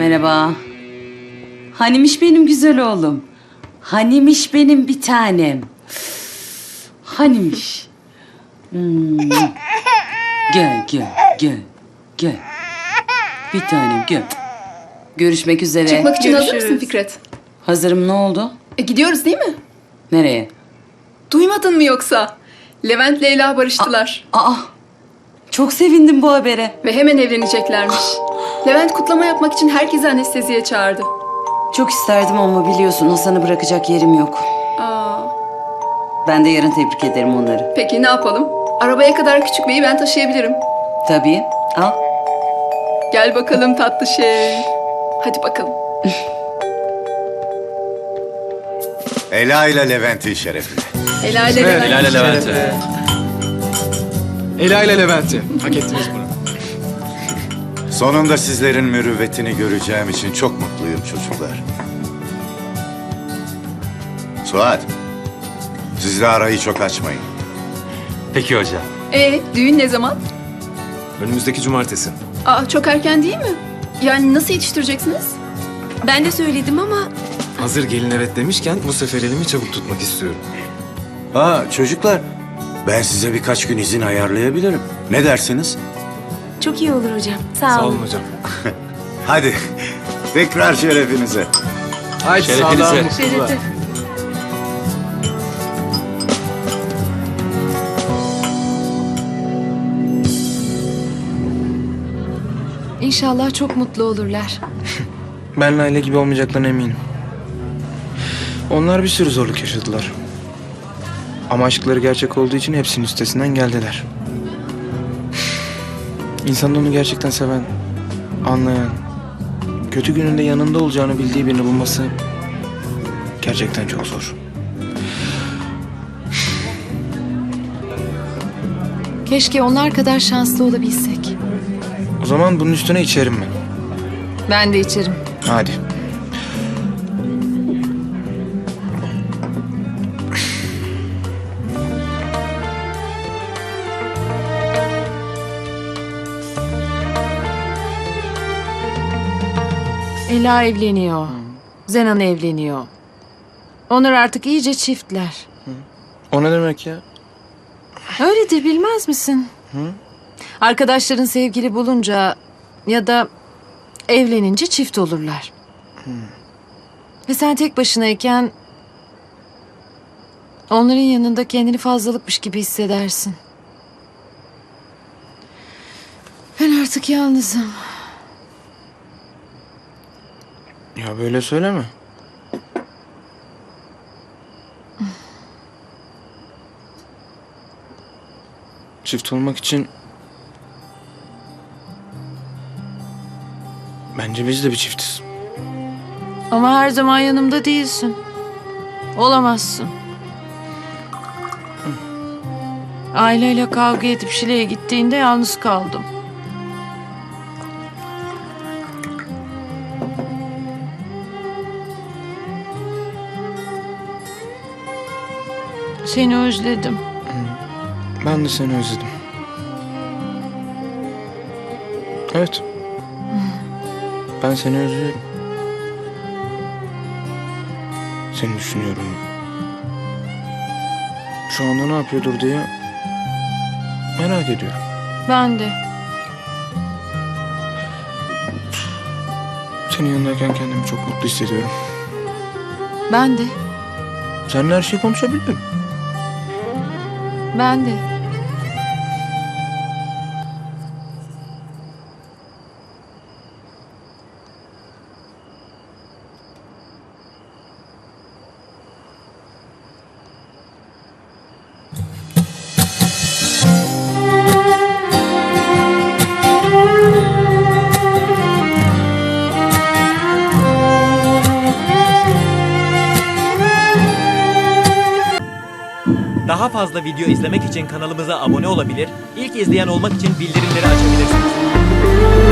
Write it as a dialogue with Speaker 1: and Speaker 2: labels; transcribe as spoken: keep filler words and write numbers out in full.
Speaker 1: Merhaba. Hanimiş benim güzel oğlum. Hanimiş benim bir tanem. Hanimiş. Hmm. Gel gel gel gel. Bir tanem gel. Görüşmek üzere.
Speaker 2: Çıkmak için hazır
Speaker 1: Görüşürüz.
Speaker 2: mısın Fikret?
Speaker 1: Hazırım, ne oldu?
Speaker 2: E, gidiyoruz değil mi?
Speaker 1: Nereye?
Speaker 2: Duymadın mı yoksa? Levent Leyla barıştılar.
Speaker 1: Aa, çok sevindim bu habere.
Speaker 2: Ve hemen evleneceklermiş. Levent kutlama yapmak için herkesi anesteziye çağırdı.
Speaker 1: Çok isterdim ama biliyorsun Hasan'ı bırakacak yerim yok.
Speaker 2: Aa,
Speaker 1: Ben de yarın tebrik ederim onları.
Speaker 2: peki ne yapalım? Arabaya kadar küçük beyi ben taşıyabilirim.
Speaker 1: Tabii. Al.
Speaker 2: Gel bakalım tatlı şey. Hadi bakalım.
Speaker 3: Ela ile Levent'in şerefine.
Speaker 2: Ela ile
Speaker 4: Evet,
Speaker 2: Levent.
Speaker 4: Ela ile Levent'e. Ela ile Levent'e. Hak ettiniz bunu.
Speaker 3: Sonunda sizlerin mürüvvetini göreceğim için çok mutluyum çocuklar. Suat, siz de arayı çok açmayın.
Speaker 4: Peki hocam.
Speaker 2: E, düğün ne zaman?
Speaker 4: Önümüzdeki cumartesi.
Speaker 2: Aa, çok erken değil mi? Yani nasıl yetiştireceksiniz?
Speaker 5: Ben de söyledim ama
Speaker 4: Hazır gelin evet demişken bu sefer elimi çabuk tutmak istiyorum.
Speaker 3: Ha çocuklar, ben size birkaç gün izin ayarlayabilirim. Ne dersiniz?
Speaker 5: çok iyi olur hocam. Sağ,
Speaker 4: Sağ
Speaker 5: olun.
Speaker 4: olun hocam.
Speaker 3: Hadi, tekrar şerefinize.
Speaker 4: Haydi
Speaker 6: Şerefinize.
Speaker 4: sağlığa, mutluluğa.
Speaker 5: Şerefe.
Speaker 7: İnşallah çok mutlu olurlar.
Speaker 6: Ben Layla gibi olmayacaklarına eminim. Onlar bir sürü zorluk yaşadılar. Ama aşkları gerçek olduğu için hepsinin üstesinden geldiler. İnsanın onu gerçekten seven, anlayan, kötü gününde yanında olacağını bildiği birini bulması gerçekten çok zor.
Speaker 7: Keşke onlar kadar şanslı olabilsek.
Speaker 6: O zaman bunun üstüne içerim ben.
Speaker 7: Ben de içerim.
Speaker 6: Hadi.
Speaker 7: Ela evleniyor. Zenan evleniyor. Onlar artık iyice çiftler.
Speaker 6: O ne demek ya?
Speaker 7: Öyle de bilmez misin? Arkadaşların sevgili bulunca ya da evlenince çift olurlar. Ve sen tek başınayken onların yanında kendini fazlalıkmış gibi hissedersin. Ben artık yalnızım.
Speaker 6: Ya böyle söyleme. Çift olmak için bence biz de bir çiftiz.
Speaker 7: Ama her zaman yanımda değilsin. Olamazsın. Aileyle kavga edip Şile'ye gittiğinde yalnız kaldım. Seni özledim.
Speaker 6: Ben de seni özledim. Evet. Ben seni özlüyorum. Seni düşünüyorum. Şu anda ne yapıyordur diye merak ediyorum.
Speaker 7: Ben de.
Speaker 6: Senin yanındayken kendimi çok mutlu hissediyorum.
Speaker 7: Ben de.
Speaker 6: Seninle her şeyi konuşabildim.
Speaker 7: Ben de.
Speaker 8: Daha fazla video izlemek için kanalımıza abone olabilir, ilk izleyen olmak için bildirimleri açabilirsiniz.